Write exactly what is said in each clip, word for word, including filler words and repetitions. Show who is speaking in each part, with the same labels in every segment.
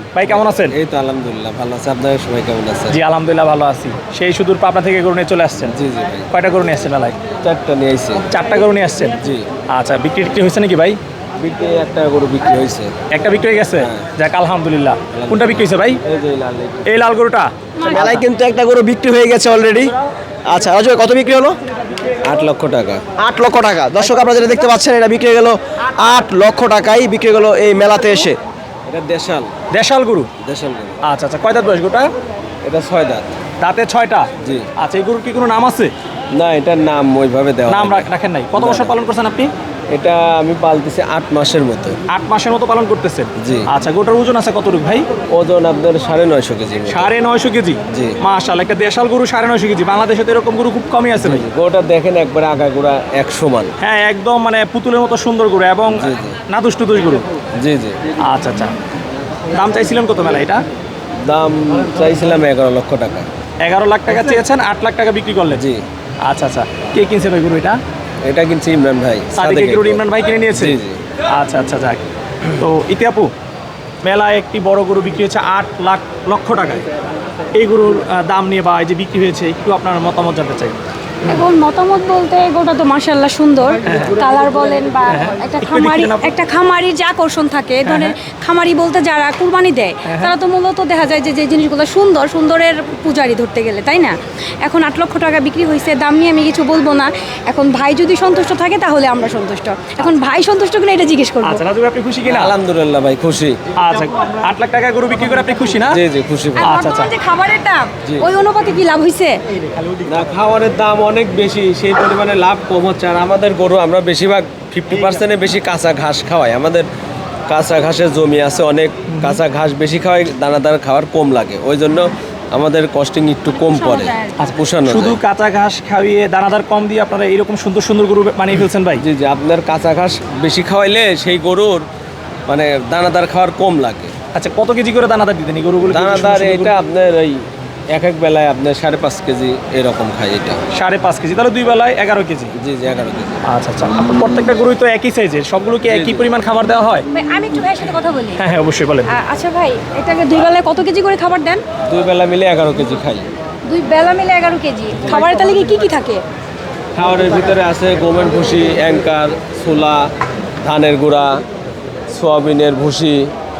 Speaker 1: ভাই কেমন আছেন?
Speaker 2: এই তো আলহামদুলিল্লাহ ভালো আছে। আপনারা সবাই কেমন আছেন?
Speaker 1: জি আলহামদুলিল্লাহ ভালো আছি। সেই সুদূর পাবনা থেকে গরু নিয়ে চলে আসছেন?
Speaker 2: জি জি ভাই।
Speaker 1: কয়টা গরু নিয়ে আসছেন মেলায়?
Speaker 2: চারটা নিয়ে আইছে।
Speaker 1: চারটা গরু নিয়ে আসছেন?
Speaker 2: জি।
Speaker 1: আচ্ছা, বিক্রি টিক্রি হয়েছে নাকি ভাই?
Speaker 2: বিক্রি একটা গরু বিক্রি হয়েছে।
Speaker 1: একটা বিক্রি হয়ে গেছে? যাক আলহামদুলিল্লাহ। কোনটা বিক্রি হয়েছে ভাই?
Speaker 2: এই যে লাল
Speaker 1: এই লাল গরুটা?
Speaker 3: মেলায় কিন্তু একটা গরু বিক্রি হয়ে গেছে অলরেডি। আচ্ছা রাজু ভাই, কত বিক্রি হলো?
Speaker 2: আট লক্ষ টাকা।
Speaker 3: আট লক্ষ টাকা। দর্শক আপনারা যেটা দেখতে পাচ্ছেন, এটা বিক্রি হয়ে গেল আট লক্ষ টাকায় বিক্রি হয়ে গেল এই মেলাতে এসে।
Speaker 2: এটা দেশাল।
Speaker 1: দেশাল গরু?
Speaker 2: দেশাল গরু।
Speaker 1: আচ্ছা আচ্ছা, কয় দাঁত বয়স গরুটা?
Speaker 2: এটা ছয় দাঁত।
Speaker 1: দাঁতে ছয়টা?
Speaker 2: জি।
Speaker 1: আচ্ছা, এই গরুর কি কোনো নাম আছে?
Speaker 2: না, এটার নাম ওইভাবে দেওয়া
Speaker 1: নাম
Speaker 2: হয়নি।
Speaker 1: রাখ- রাখেন নাই? কত
Speaker 2: না,
Speaker 1: বছর
Speaker 2: না।
Speaker 1: পালন করছেন আপনি?
Speaker 2: এটা আমি পালতেছি আট মাসের মতো।
Speaker 1: আট মাসের মতো পালন করতেছেন?
Speaker 2: জি।
Speaker 1: আচ্ছা, গরুটার ওজন আছে কতটুকু ভাই?
Speaker 2: ওজন আপনার সাড়ে নয়শো কেজি।
Speaker 1: সাড়ে নয়শো কেজি?
Speaker 2: জি।
Speaker 1: মাশাআল্লাহ, একটা দেশাল গরু সাড়ে নয়শো কেজি। বাংলাদেশে তো এরকম গরু খুব কমই আছে ভাই।
Speaker 2: গরুটা দেখেন একবারে আগাগোড়া এক সমান।
Speaker 1: হ্যাঁ, একদম মানে পুতুলের মতো সুন্দর গরু এবং
Speaker 2: জি, জি।
Speaker 1: নাদুস টুদুস গরু।
Speaker 2: জি জি।
Speaker 1: আচ্ছা আচ্ছা, দাম চাইছিলেন কত মেলা এটা?
Speaker 2: দাম চাইছিলাম এগারো লক্ষ টাকা।
Speaker 1: এগারো লাখ টাকা চেয়েছেন, আট লাখ টাকা বিক্রি করলেন?
Speaker 2: জি।
Speaker 1: আচ্ছা আচ্ছা, কে কিনছে ভাই গরু এটা?
Speaker 2: এটা কিনছে ইমরান ভাই।
Speaker 1: সাদিক গরু ইমরান ভাই কিনে নিয়েছে?
Speaker 2: জি জি।
Speaker 1: আচ্ছা আচ্ছা, যাক। তো ইতি আপু, মেলায় একটি বড় গরু বিক্রি হচ্ছে আট লাখ লক্ষ টাকায়। এই গরুর আহ, দাম নিয়ে বা এই যে বিক্রি হয়েছে, একটু আপনার মতামত জানতে চাই।
Speaker 4: এখন মতামত বলতে গোটা তো মাশাআল্লাহ সুন্দর, কালার বলেন বা একটা
Speaker 1: একটু
Speaker 4: খামারি
Speaker 1: দেখি না আপু।
Speaker 4: একটা খামারির যে আকর্ষণ থাকে, এই ধরনের খামারি বলতে যারা কুরবানি দেয় তারা তো মূলত দেখা যায় যে যে জিনিসগুলো সুন্দর সুন্দরের পূজারি ধরতে গেলে, তাই না? এখন আট লক্ষ টাকা বিক্রি হয়েছে, দাম নিয়ে আমি কিছু বলবো না। এখন ভাই যদি সন্তুষ্ট থাকে তাহলে আমরা সন্তুষ্ট। এখন ভাই সন্তুষ্ট কিনা এটা জিজ্ঞেস করবো।
Speaker 1: আচ্ছা রাজু ভাই, আপনি খুশি কিনা?
Speaker 2: আলহামদুলিল্লাহ ভাই, খুশি।
Speaker 1: আচ্ছা, আট লাখ টাকা গরু বিক্রি করে আপনি খুশি না?
Speaker 2: জি জি, খুশি ভাই।
Speaker 4: আর
Speaker 1: আচ্ছা, আচ্ছা।
Speaker 4: বর্তমানে যে খাবারের দাম,
Speaker 2: জি।
Speaker 4: ওই অনুপাতে কি লাভ হয়েছে?
Speaker 2: না, খাওয়ারের দাম অনেক বেশি, সেই পরিমাণে লাভ কম হচ্ছে। আর আমাদের গরু আমরা বেশিরভাগ ফিফটি পার্সেন্টের বেশি কাঁচা ঘাস খাওয়াই। আমাদের কাঁচা ঘাসের জমি আছে অনেক, কাঁচা ঘাস বেশি খাওয়াই, দানাদার খাওয়ার কম লাগে, ওই জন্য আমাদের কস্টিং একটু কম পড়ে।
Speaker 4: আচ্ছা,
Speaker 2: পোষানো
Speaker 1: শুধু
Speaker 2: যায়।
Speaker 1: কাঁচা ঘাস খাইয়ে দানাদার কম দিয়ে আপনারা এরকম সুন্দর সুন্দর গরু বানিয়ে ফেলছেন ভাই?
Speaker 2: জি জি, আপনার কাঁচা ঘাস বেশি খাওয়াইলে সেই গরুর মানে দানাদার খাওয়ার কম লাগে।
Speaker 1: আচ্ছা, কত কেজি করে দানাদার দিতেন এই গরুগুলো?
Speaker 2: দানাদার এটা আপনার ওই এক এক বেলায় আপনার সাড়ে পাঁচ কেজি এরকম খাই এটা।
Speaker 1: সাড়ে পাঁচ কেজি, তাহলে দুই বেলায় এগারো কেজি।
Speaker 2: জি জি, এগারো কেজি।
Speaker 1: আচ্ছা আচ্ছা, আপনার প্রত্যেকটা গরুই তো একই সাইজের, সবগুলোকে
Speaker 2: জি,
Speaker 1: একই
Speaker 2: জি।
Speaker 1: পরিমাণ খাবার দেওয়া হয়?
Speaker 4: ভাই, আমি একটু ভাইয়ের সাথে কথা বলি।
Speaker 1: হ্যাঁ হ্যাঁ, অবশ্যই বলেন।
Speaker 4: আ- আচ্ছা ভাই, এটাকে দুই বেলায় কত কেজি করে খাবার দেন?
Speaker 2: দুই বেলা মিলে এগারো কেজি খাই।
Speaker 4: দুই বেলা মিলে এগারো কেজি। খাবারের তালিকায় কি কি থাকে?
Speaker 2: খাবারের ভিতরে আছে গমের ভুসি, অ্যাঙ্কার, ছোলা, ধানের গুঁড়া, সোয়াবিনের ভুসি,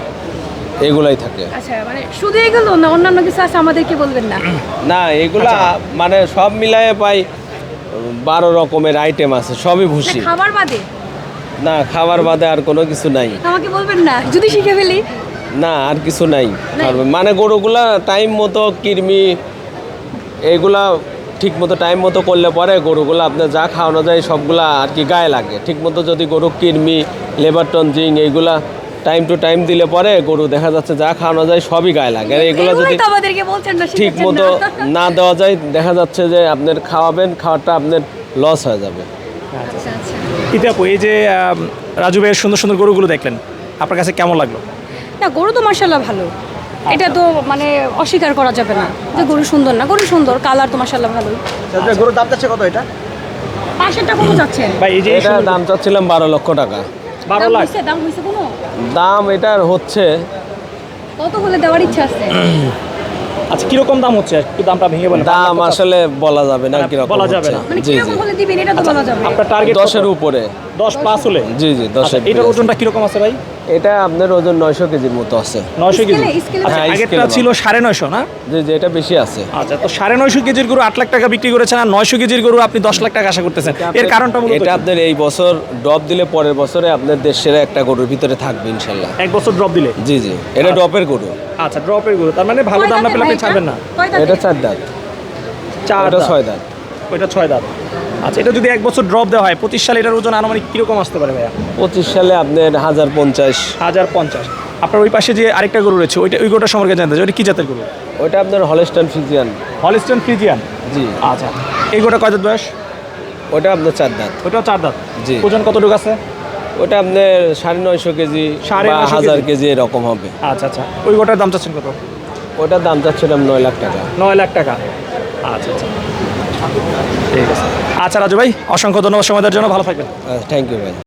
Speaker 2: এগুলাই থাকে।
Speaker 4: আচ্ছা, মানে শুধু এগুলো না অন্যান্য কিছু আছে আমাদেরকে বলবেন না?
Speaker 2: না, এগুলা মানে সব মিলায়ে পাই বারো রকমের আইটেম আছে, সবই
Speaker 4: না,
Speaker 2: ভুসি।
Speaker 4: খাবার বাদে
Speaker 2: না, খাবার বাদে আর কোনো কিছু নাই।
Speaker 4: আমাকে বলবেন না যদি শিখে ফেলি?
Speaker 2: না, আর কিছু নাই। আর মানে গরুগুলা টাইম মতো কৃমি এইগুলা ঠিক মতো টাইম মতো করলে পরে গরুগুলা আপনার যা খাওয়ানো যায় সবগুলা আর কি গায়ে লাগে। ঠিক মতো যদি গরু কৃমি, লেবারটন, জিং এইগুলা টাইম টু টাইম দিলে পরে গরু দেখা যাচ্ছে যা খাওয়ানো যায় সবই গায়ে লাগে। আর এগুলো যদি
Speaker 4: এগুলোই তো আমাদেরকে বলছেন না,
Speaker 2: ঠিক
Speaker 4: শিখাচ্ছেন
Speaker 2: মতো
Speaker 4: না।
Speaker 2: না দেওয়া যায় দেখা যাচ্ছে যে আপনার খাওয়াবেন, খাওয়াটা আপনার লস হয়ে যাবে।
Speaker 4: আচ্ছা আচ্ছা।
Speaker 1: ইতি আপু, এই যে আম, রাজু ভাইয়ের সুন্দর সুন্দর গরুগুলো দেখলেন, আপনার কাছে কেমন লাগলো?
Speaker 4: না, গরু তো মাশাআল্লাহ ভালো, এটা তো মানে অস্বীকার করা যাবে না যে গরু সুন্দর না। গরু সুন্দর, কালার তো মাশাআল্লাহ ভালোই।
Speaker 3: গরুর দাম চাচ্ছে কত এটা?
Speaker 4: পাশেরটা কত যাচ্ছেন?
Speaker 1: ভাই এই যে এই
Speaker 2: এটা
Speaker 1: সুন্দর-
Speaker 2: দাম চাচ্ছিলাম বারো লক্ষ টাকা।
Speaker 1: বারো
Speaker 4: দাম
Speaker 1: লাখ?
Speaker 4: হইছে, দাম হইছে কোনো?
Speaker 2: দাম এটার হচ্ছে
Speaker 4: কত হলে দেওয়ার ইচ্ছা আছে?
Speaker 1: আচ্ছা, কিরকম দাম হচ্ছে একটু দামটা ভেঙে বলেন।
Speaker 2: দাম আসলে বলা যাবে না,
Speaker 1: মানে
Speaker 2: কিরকম
Speaker 1: বলা যাবে
Speaker 2: হচ্ছে।
Speaker 1: না।
Speaker 4: মানে
Speaker 2: জি জি,
Speaker 4: কিরকম হলে দিবেন এটা তো বলা যাবে।
Speaker 1: আপনার টার্গেট
Speaker 2: দশের উপরে।
Speaker 1: দশ প্লাস হলে?
Speaker 2: জি জি,
Speaker 1: আচ্ছা,
Speaker 2: দশের
Speaker 1: এটার
Speaker 2: উপরে
Speaker 1: ওজনটা কিরকম আছে ভাই?
Speaker 2: আছে। এটা আপনার ওজন নয়শো কেজির মতো আছে।
Speaker 1: নয়শো কেজি?
Speaker 4: স্কেলে- স্কেলে-
Speaker 1: আচ্ছা,
Speaker 2: হ্যাঁ,
Speaker 1: আগেরটা
Speaker 2: স্কেলে
Speaker 1: ছিল সাড়ে নয়শো না?
Speaker 2: জি জি, এটা বেশি আছে।
Speaker 1: আচ্ছা, তো সাড়ে নয়শো কেজির গরু আট লাখ টাকা বিক্রি করেছেন, আর নয়শো কেজির গরু আপনি দশ লাখ টাকা আশা করতেছেন, এর কারণটা মূলত
Speaker 2: এটা
Speaker 1: কি?
Speaker 2: আপনার এই বছর ড্রপ দিলে পরের বছরে আপনার দেশের একটা গরুর ভিতরে থাকবে ইনশাল্লাহ।
Speaker 1: এক বছর ড্রপ দিলে?
Speaker 2: জি জি, এটা ড্রপের গরু।
Speaker 1: আচ্ছা, ড্রপের গরু, তার মানে ভালো
Speaker 4: কয়
Speaker 1: দাম না
Speaker 4: দাঁতের
Speaker 1: পেলে
Speaker 4: ভাই
Speaker 1: আপনি
Speaker 4: এটা?
Speaker 1: ছাড়বেন না?
Speaker 4: কয় দাঁতের?
Speaker 2: এটা চার দাঁত,
Speaker 1: চার
Speaker 2: এটা
Speaker 1: দাঁত।
Speaker 2: ছয় দাঁত।
Speaker 1: ওইটা ছয় দাঁত। আচ্ছা, এটা যদি এক বছর ড্রপ দেওয়া হয়, পঁচিশ সালে এটার ওজন আনুমানিক কিরকম আসতে পারে ভাইয়া?
Speaker 2: পঁচিশ সালে আপনার হাজার পঞ্চাশ।
Speaker 1: হাজার পঞ্চাশ। আপনার ওই পাশে যে আরেকটা গরু রয়েছে, ওইটা ওই গরুটা সম্পর্কে জানতে চাই, ওইটা কি জাতের গরু?
Speaker 2: ওইটা আপনার হলস্টাইন ফ্রিজিয়ান।
Speaker 1: Holstein Friesian?
Speaker 2: জি,
Speaker 1: আচ্ছা, এই গরুটা কয় দাঁত বয়স?
Speaker 2: ওইটা আপনার চার দাঁত।
Speaker 1: ওইটাও চার দাঁত?
Speaker 2: জি।
Speaker 1: ওজন কতটুকু আছে?
Speaker 2: ওটা আপনার সাড়ে নয়শো কেজি,
Speaker 1: সাড়ে
Speaker 2: বা
Speaker 1: নয়শো
Speaker 2: হাজার
Speaker 1: কেজি।
Speaker 2: কেজি এরকম হবে।
Speaker 1: আচ্ছা আচ্ছা, ওই গরুটার দাম চাচ্ছেন কত?
Speaker 2: ওটার দাম চাচ্ছিলাম নয় লাখ টাকা।
Speaker 1: নয় লাখ টাকা। আচ্ছা আচ্ছা, ঠিক আছে। আচ্ছা রাজু ভাই, অসংখ্য ধন্যবাদ সময় দেওয়ার জন্য, ভালো থাকবেন।
Speaker 2: থ্যাংক ইউ ভাই।